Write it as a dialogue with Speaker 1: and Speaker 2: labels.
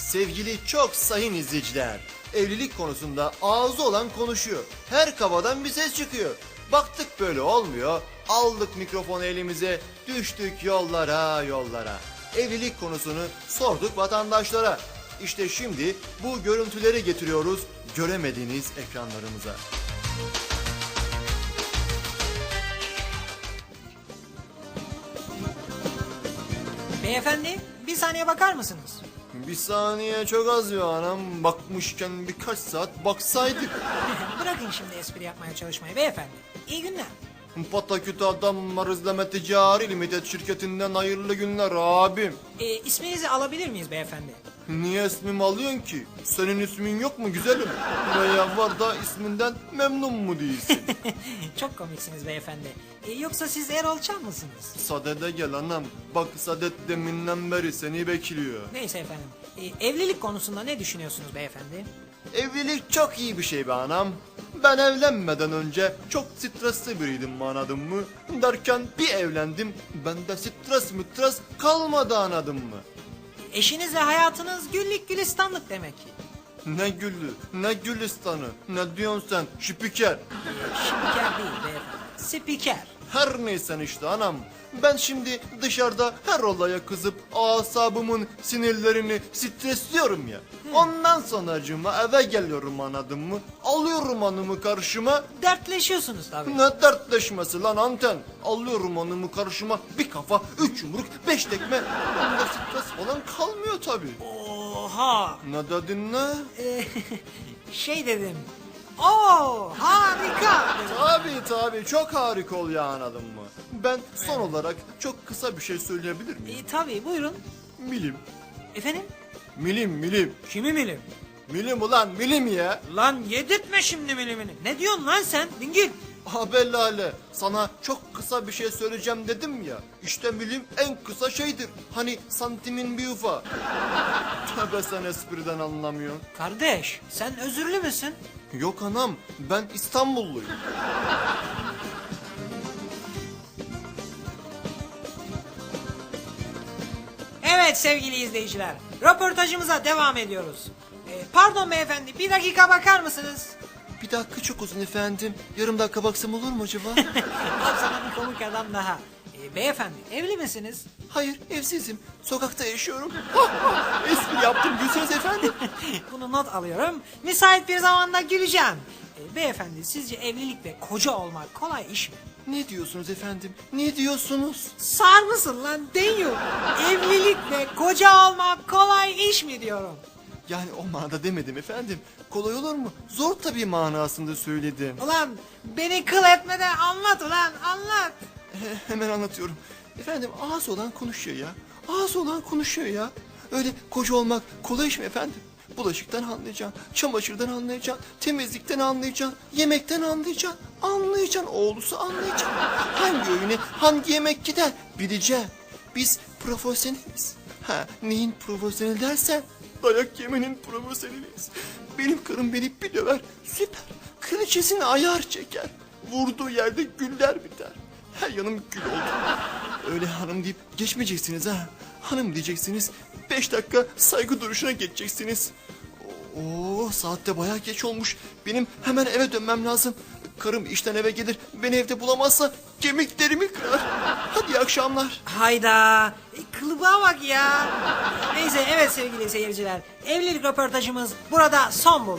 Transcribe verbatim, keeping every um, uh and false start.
Speaker 1: Sevgili çok sayın izleyiciler, evlilik konusunda ağzı olan konuşuyor. Her kafadan bir ses çıkıyor. Baktık böyle olmuyor, aldık mikrofonu elimize, düştük yollara yollara. Evlilik konusunu sorduk vatandaşlara. İşte şimdi bu görüntüleri getiriyoruz göremediğiniz ekranlarımıza.
Speaker 2: Beyefendi, bir saniye bakar mısınız?
Speaker 1: Bir saniye çok az ya anam, bakmışken birkaç saat baksaydık.
Speaker 2: Bırakın şimdi espri yapmaya çalışmayı beyefendi. İyi günler.
Speaker 1: Pataküt adamlar izleme ticari limited şirketinden hayırlı günler abim.
Speaker 2: Ee, isminizi alabilir miyiz beyefendi?
Speaker 1: Niye ismimi alıyorsun ki? Senin ismin yok mu güzelim? Veya var da isminden memnun mu değilsin?
Speaker 2: Çok komiksiniz beyefendi. Ee, yoksa siz Erol Çam mısınız?
Speaker 1: Sadede gel anam. Bak Sadet deminden beri seni bekliyor.
Speaker 2: Neyse efendim. Ee, evlilik konusunda ne düşünüyorsunuz beyefendi?
Speaker 1: Evlilik çok iyi bir şey be anam. Ben evlenmeden önce çok stresli biriydim anladın mı? Derken bir evlendim. Bende stres mütres kalmadı anladın mı?
Speaker 2: Eşinizle hayatınız güllük gülistanlık demek.
Speaker 1: Ne güllü, ne gülistanı, ne diyorsun sen şüpiker.
Speaker 2: Ee, spiker değil beyefendi. Spiker.
Speaker 1: Her neysen işte anam. Ben şimdi dışarıda her olaya kızıp asabımın sinirlerini stresliyorum ya. Ondan sonracığıma eve geliyorum anladın mı? Alıyorum hanımı karşıma.
Speaker 2: Dertleşiyorsunuz tabii.
Speaker 1: Ne dertleşmesi lan anten. Alıyorum hanımı karşıma, bir kafa, üç yumruk, beş tekme. Bunda stres falan kalmıyor tabii.
Speaker 2: Oha.
Speaker 1: Ne dedin ne?
Speaker 2: Ee, şey dedim. Oo harika dedim.
Speaker 1: Tabii tabii çok harika oluyor anladın mı? Ben son olarak çok kısa bir şey söyleyebilir miyim?
Speaker 2: Ee, tabii buyurun.
Speaker 1: Milim.
Speaker 2: Efendim?
Speaker 1: Milim milim.
Speaker 2: Kimi milim?
Speaker 1: Milim ulan milim ya.
Speaker 2: Lan yedirtme şimdi milimini. Ne diyorsun lan sen? Dingil.
Speaker 1: Haber Lale, sana çok kısa bir şey söyleyeceğim dedim ya. İşte milim en kısa şeydir. Hani santimin bir ufa. Tövbe sen espriden anlamıyorsun.
Speaker 2: Kardeş sen özürlü müsün?
Speaker 1: Yok anam, ben İstanbulluyum.
Speaker 2: Evet sevgili izleyiciler. Röportajımıza devam ediyoruz. Ee, pardon beyefendi bir dakika bakar mısınız?
Speaker 1: Bir dakika çok uzun efendim. Yarım dakika baksam olur mu acaba?
Speaker 2: Al sana bir komik adam daha. Ee, beyefendi evli misiniz?
Speaker 1: Hayır, evsizim. Sokakta yaşıyorum. Espri yaptım, gülseniz efendim.
Speaker 2: Bunu not alıyorum. Müsait bir zamanda güleceğim. Ee, beyefendi sizce evlilik ve koca olmak kolay iş mi?
Speaker 1: Ne diyorsunuz efendim? Ne diyorsunuz?
Speaker 2: Sar mısın lan Denyo? Evlilik ve koca olmak kolay iş mi diyorum.
Speaker 1: Yani o manada demedim efendim. Kolay olur mu? Zor tabii manasında söyledim.
Speaker 2: Ulan beni kıl etmeden anlat ulan anlat.
Speaker 1: He- hemen anlatıyorum. Efendim ağız olan konuşuyor ya. Ağız olan konuşuyor ya. Öyle koca olmak kolay iş mi efendim? Bulaşıktan anlayacaksın, çamaşırdan anlayacaksın, temizlikten anlayacaksın, yemekten anlayacaksın, anlayacaksın, oğlusu anlayacaksın. Hangi öğüne hangi yemek gider bileceksin. Biz profesyoneliz. Ha, neyin profesyonel dersen dayak yemenin profesyoneliyiz. Benim karım beni bir döver, süper. Kraliçesine ayar çeker. Vurduğu yerde güller biter. Her yanım gül oldu. Öyle hanım deyip geçmeyeceksiniz ha. Hanım diyeceksiniz. Beş dakika saygı duruşuna geçeceksiniz. Oo, saatte bayağı geç olmuş. Benim hemen eve dönmem lazım. Karım işten eve gelir. Beni evde bulamazsa kemiklerimi kırar. Hadi iyi akşamlar.
Speaker 2: Hayda. E, kılıba bak ya. Neyse evet sevgili seyirciler. Evlilik röportajımız burada son buldu.